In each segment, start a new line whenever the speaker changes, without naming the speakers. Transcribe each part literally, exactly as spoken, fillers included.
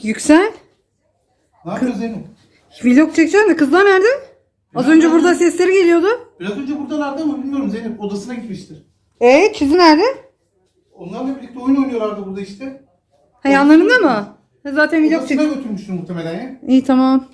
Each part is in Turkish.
Yüksel.
Ne yapıyorsun Zeynep?
Vlog çekeceğim de kızlar nerede? Az önce burada sesleri geliyordu.
Biraz önce buradalardı ama bilmiyorum, Zeynep odasına gitmiştir.
Ee, Çizi nerede?
Onlarla birlikte oyun oynuyorlardı burada işte.
Ha, yanlarında mı? Ha, Zaten vlog
Odasına
çek.
götürmüştür muhtemelen ya.
İyi, tamam.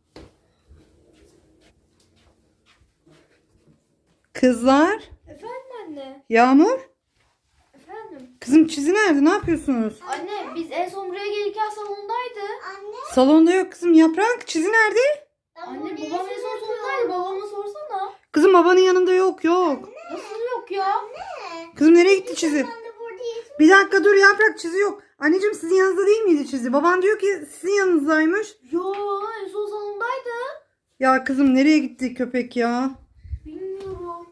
Kızlar.
Efendim anne.
Yağmur.
Efendim.
Kızım Çizi nerede? Ne yapıyorsunuz?
Anne biz en son buraya gelirken salondaydı. Anne.
Salonda yok kızım. Yaprak. Çizi nerede?
Anne babam en son salondaydı. Babama sorsana.
Kızım babanın yanında yok yok.
Nasıl yok ya? Anne.
Kızım nereye gitti Çizi? Bir dakika dur Yaprak, Çizi yok. Anneciğim sizin yanınızda değil miydi Çizi? Baban diyor ki sizin yanınızdaymış.
Yo en son salondaydı.
Ya kızım nereye gitti köpek ya?
Bilmiyorum.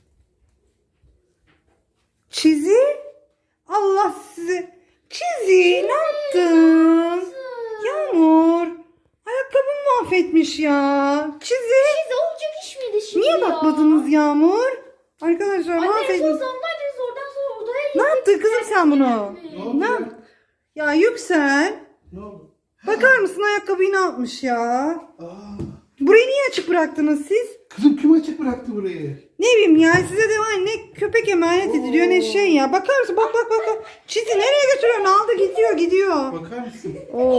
Çizi? Allah sizi. Çizi ne yaptın? Yağmur. Ayakkabımı mahvetmiş ya. Çizi.
Biz olacak iş miydi şimdi
Niye
ya?
bakmadınız Yağmur? Arkadaşlar
Anne en
mahvetmiş.
son salondaydı. Biz oradan sonra odaya gittik.
Ne yaptın kızım sen bunu?
Ne oldu
Ne
ya?
yap- Ya Yüksel.
Ne oldu?
Bakar mısın ayakkabıyı ne yapmış ya?
Aa,
Burayı niye açık bıraktınız siz?
kızım kim açık bıraktı burayı?
Ne bileyim ya, size de var ne köpek emanet ediliyor ne şey ya. Bakar mısın? Bak bak bak. bak. Çizi nereye götürüyorsun? Aldı gidiyor gidiyor.
Bakar mısın?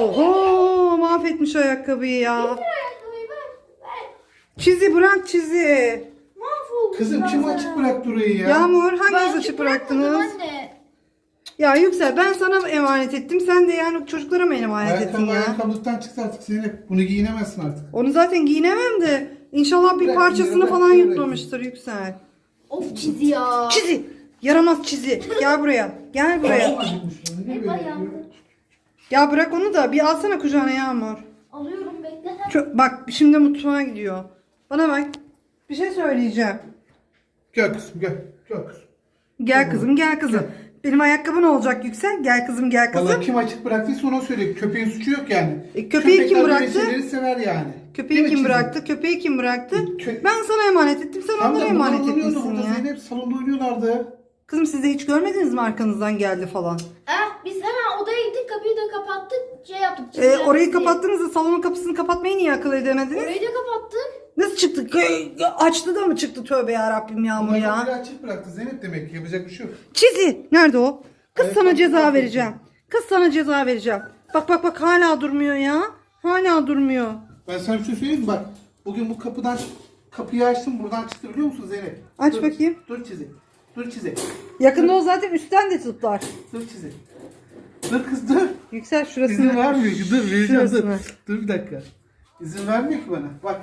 Oho, mahvetmiş ayakkabıyı ya.
Ayakkabıyı ver. Ver.
Çizi bırak Çizi.
Mahvoldu.
Kızım kim
zaten.
açık bıraktı orayı ya?
Yağmur hanginiz
Ben
açık
bırakmadım
bıraktınız?
Anne.
Ya Yüksel ben sana emanet ettim. Sen de yani çocuklara mı emanet ettin
Ayakkabı
ya?
ayakkabılıktan çıktı artık Zeynep. Bunu giyinemezsin artık.
Onu zaten giyinemem de inşallah bir
Bırak,
parçasını
bırak,
falan
bırak.
yutmamıştır Yüksel.
Of çizi ya.
Çizi. Yaramaz Çizi. Gel buraya. Gel buraya.
Başım acıkmış. Ne
Hep
böyle
ayağımda.
yapıyor?
Ya bırak onu da bir alsana kucağına Yağmur.
Alıyorum bekle.
Çok, bak şimdi mutfağa gidiyor. Bana bak. Bir şey söyleyeceğim.
Gel kızım gel. Gel kızım.
Gel kızım gel kızım. Benim ayakkabı ne olacak Yüksel? Gel kızım gel kızım.
Vallahi kim açık bıraktıysa ona söyle. Köpeğin suçu yok yani.
E, köpeği kim
Köpekler böyle
bıraktı?
şeyleri sever yani.
Köpeği
Değil mi
kim
Çizi?
bıraktı? Köpeği kim bıraktı?
Kö-
Ben sana emanet ettim. Sen
Tam da
onlara
bunlar
emanet
oynuyordu
etmişsin
burada
ya.
Zeynep. Salonda oynuyorlardı.
Kızım siz de hiç görmediniz mi arkanızdan geldi falan?
Eh, biz hemen odaya gittik kapıyı da kapattık. Şey yaptık.
Ee,
çiziler
orayı
diye.
kapattığınızda salonun kapısını kapatmayı niye akıl edemediniz?
Orayı da kapattık.
Nasıl çıktı? Kö- Açtı da mı çıktı? Tövbe yarabbim Yağmur
Bunlar
ya.
kapıyı açık bıraktı Zeynep, demek ki yapacak bir şey yok.
Çizi. Nerede o? Kız
Ayakkabı
sana ceza
mahvettim.
vereceğim. Kız sana ceza vereceğim. Bak bak bak hala durmuyor ya. Hala durmuyor.
Ben sana bir şey söyleyeyim mi? Bak bugün bu kapıdan kapıyı açtım, buradan çıktı biliyor musun Zeynep?
Aç
Dur,
bakayım.
Dur Çizi. Dur Çizi.
Yakında o zaten üstten de tutlar.
Dur Çizi. Dur kız dur.
Yüksel şurasını.
İzin vermiyor ki. Dur vereceğim dur.
Şurasını.
Dur bir dakika. İzin vermiyor ki bana. Bak.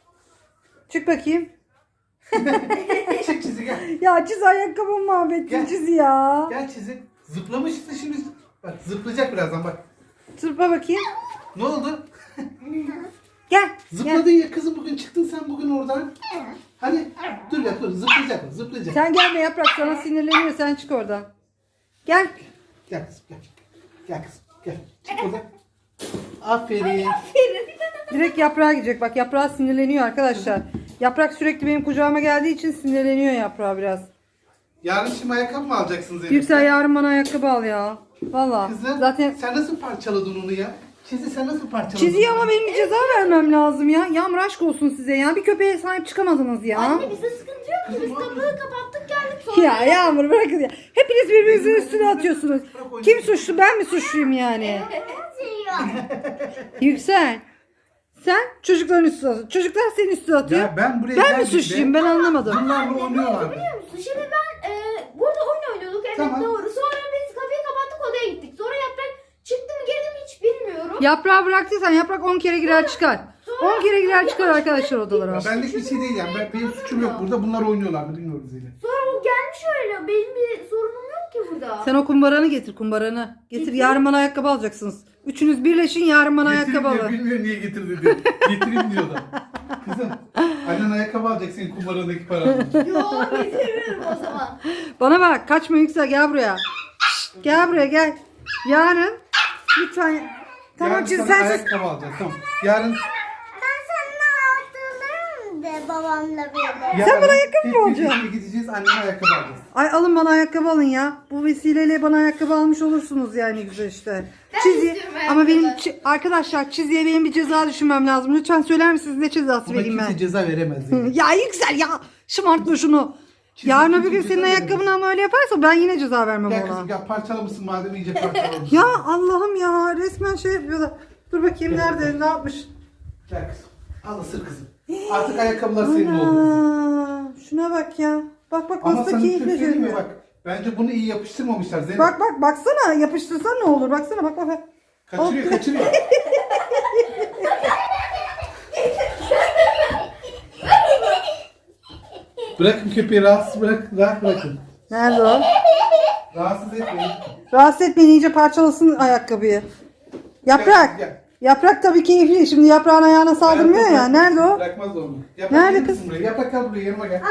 Çık bakayım.
Çık Çizi gel.
Ya Çizi ayakkabımı mahvettin
Gel.
Çizi ya.
Gel Çizi. Zıplamıştı şimdi. Bak zıplayacak birazdan bak.
Tırpa bakayım.
Ne oldu?
Gel.
Zıpladın
Gel.
ya kızım, bugün çıktın sen bugün oradan. Hadi dur ya dur, zıplayacak zıplayacak.
Sen gelme Yaprak, sana sinirleniyor, sen çık oradan. Gel.
Gel kızım gel. Gel kızım gel. Çık oradan. Aferin.
Direkt Yaprağa gidecek. Bak Yaprağa sinirleniyor arkadaşlar. Yaprak sürekli benim kucağıma geldiği için sinirleniyor Yaprağa biraz.
Yarın şimdi ayakkabı mı alacaksın Zeynep?
Yüksel yarın bana ayakkabı al ya. Valla.
Kızım
Zaten
sen nasıl parçaladın onu ya? Çizi sen nasıl parçaladın?
çiziyi ama benim bir ceza vermem lazım ya. Yağmur aşk olsun size ya. Bir köpeğe sahip çıkamadınız ya.
Anne bizde sıkıntı yok ki. Biz
Kızım,
kapıyı kapattık geldik sonra.
Ya Yağmur bırakın ya. Hepiniz birbirinizin üstüne atıyorsunuz. Kim suçlu, ben mi suçluyum yani? Yüksel. Sen çocukların üstüne atıyorsun. Çocuklar senin üstüne atıyor.
Ya ben buraya
Ben mi
geldiğimde
suçluyum, ben anlamadım.
bunlarla oynuyorlardı.
Biliyor musun? Şimdi ben e, burada oyun oynuyorduk. Evet
Tamam.
doğru. Sonra biz kapıyı kapattık odaya gittik. Sonra yaprak çıktı mı girdi mi hiç bilmiyorum.
Yaprağı bıraktıysan yaprak on kere girer çıkar. on kere girer çıkar arkadaşlar odalara.
Ya benlik bir şey değil yani. Ben, benim suçum yok burada. Bunlar oynuyorlardı, bilmiyorum Zeynep.
Sonra o gelmiş öyle. Benim bir sorunum yok ki burada.
Sen o kumbaranı getir, kumbaranı. Getir, yarın bana ayakkabı alacaksınız. Üçünüz birleşin, yarın bana
Getireyim
ayakkabı
diyor,
alın.
bilmiyor niye getirdi diyor. Getireyim diyor da. Kızım annen ayakkabı alacak senin kumbaradaki paranı.
Yok getirmiyorum o zaman.
Bana bak, kaçma Yüksel, gel buraya. Şşt, gel buraya gel. Yarın lütfen. Tamam
Yarın
Çizi
sana
sen sus.
ayakkabı alacağız tamam. Yarın
Ben seninle hatırlarım de baba.
babamla birlikte.
Sen bana ayakkabı mı
hep
alacaksın?
birlikte gideceğiz, anneme ayakkabı alacağız.
Ay alın bana ayakkabı alın ya. Bu vesileyle bana ayakkabı almış olursunuz yani güzel işte.
Ben
Çizi
istiyorum
ama
ayakkabı.
benim çi- arkadaşlar Çizi'ye benim bir ceza düşünmem lazım. Lütfen söyler misiniz ne cezası
Buna
vereyim
kimse
ben?
ceza veremez. Yani.
Ya Yüksel ya şımartma şunu.
Çizi
Yarın
kimse
öbür gün
ceza
senin
veremez.
ayakkabını ama öyle yaparsa ben yine ceza vermem
Gel
ona.
kızım gel parçalamışsın madem iyice parçalamışsın.
Ya Allah'ım ya resmen şey yapıyorlar. Dur bakayım
Gel.
nerede ne yapmış?
Gel kızım. Al ısır kızım. Artık ayakkabılar senin oldu kızım.
Ana, şuna bak ya. Bak bak
Ama
nasıl
sana bir şey
keyifli
söyleyeyim mi
görünüyor.
bak. Bence bunu iyi yapıştırmamışlar Zeynep.
Bak bak baksana yapıştırsan ne olur baksana bak bak. bak.
Kaçırıyor kaçırıyor. Bırakın köpeği rahatsız bırak, rahat bırakın.
Nerede o?
Rahatsız etmeyin.
Rahatsız etmeyin iyice parçalasın ayakkabıyı. Yaprak.
Gel, gel.
Yaprak tabii keyifli. Şimdi yaprağın ayağına saldırmıyor ya.
Bırakmaz,
Nerede o?
Bırakmaz onu. Yaprak
Nerede
gelir
kız?
misin buraya? Yaprak gel buraya yanıma gel.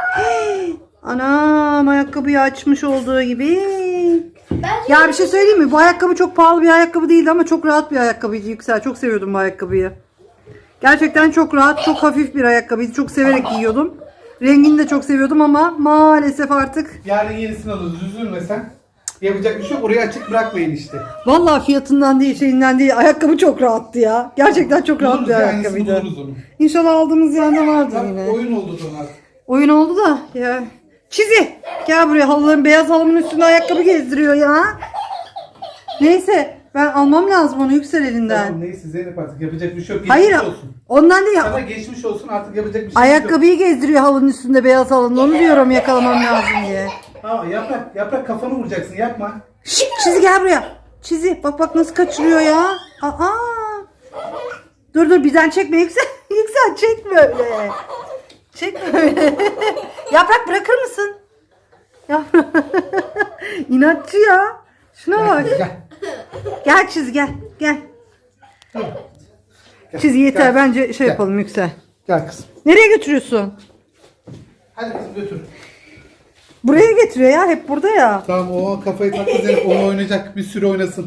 Anam ayakkabıyı açmış olduğu gibi.
Bence
Ya bir şey söyleyeyim mi? Bu ayakkabı çok pahalı bir ayakkabı değildi ama çok rahat bir ayakkabıydı Yüksel. Çok seviyordum bu ayakkabıyı. Gerçekten çok rahat, çok hafif bir ayakkabıydı. Çok severek giyiyordum. Rengini de çok seviyordum ama maalesef artık.
Yarın yenisini alırız. Üzülme sen. Yapacak bir şey yok. Orayı açık bırakmayın işte.
Vallahi fiyatından değil, şeyinden değil. Ayakkabı çok rahattı ya. Gerçekten çok rahat
Buluruz
bir
ya, yenisini
ayakkabıydı.
buluruz onu.
İnşallah aldığımız yerde vardır
Bak,
yine.
oyun oldu sonra artık.
Oyun oldu da ya. Çizi. Gel buraya halıların beyaz halımın üstünde ayakkabı gezdiriyor ya. Neyse ben almam lazım onu Yüksel elinden.
Tamam neyse Zeynep artık yapacak bir şey yok. Geçmiş
Hayır
olsun.
ondan değil
Sana
ya.
geçmiş olsun artık yapacak bir şey yok.
Ayakkabıyı gezdiriyor halının üstünde beyaz halının. Onu diyorum yakalamam lazım diye.
Ha, yaprak, yaprak kafanı vuracaksın yapma.
Şşt, Çizi gel buraya. Çizi bak bak nasıl kaçırıyor ya. Aa. Dur dur birden çekme Yüksel. Yüksel çekme öyle. Çekme öyle. Yaprak bırakır mısın? Yaprak. İnatçı ya. Şuna bak.
Gel.
Gel Çizi gel. Gel.
Gel.
Çizi yeter
Gel.
bence şey
Gel.
yapalım Yüksel.
Gel kızım.
Nereye götürüyorsun?
Hadi kızım götür.
Buraya getiriyor ya hep burada ya.
Tamam o kafayı taktı Zeynep. Onu oynayacak. Bir sürü oynasın.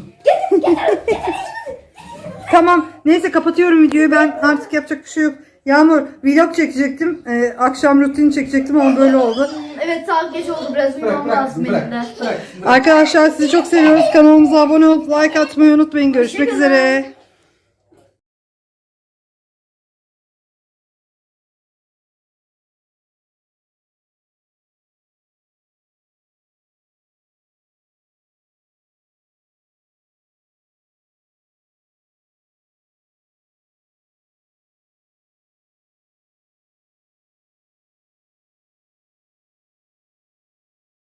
Tamam neyse kapatıyorum videoyu ben artık yapacak bir şey yok. Yağmur vlog çekecektim. Ee, akşam rutini çekecektim ama böyle oldu.
evet saat geç oldu biraz
Bırak
uyumam
bırak
lazım
kızım
benim
bırak.
de.
Bırak. bırak.
Arkadaşlar sizi çok seviyoruz. Kanalımıza abone olup like atmayı unutmayın. Görüşmek
Hoşçakalın.
üzere.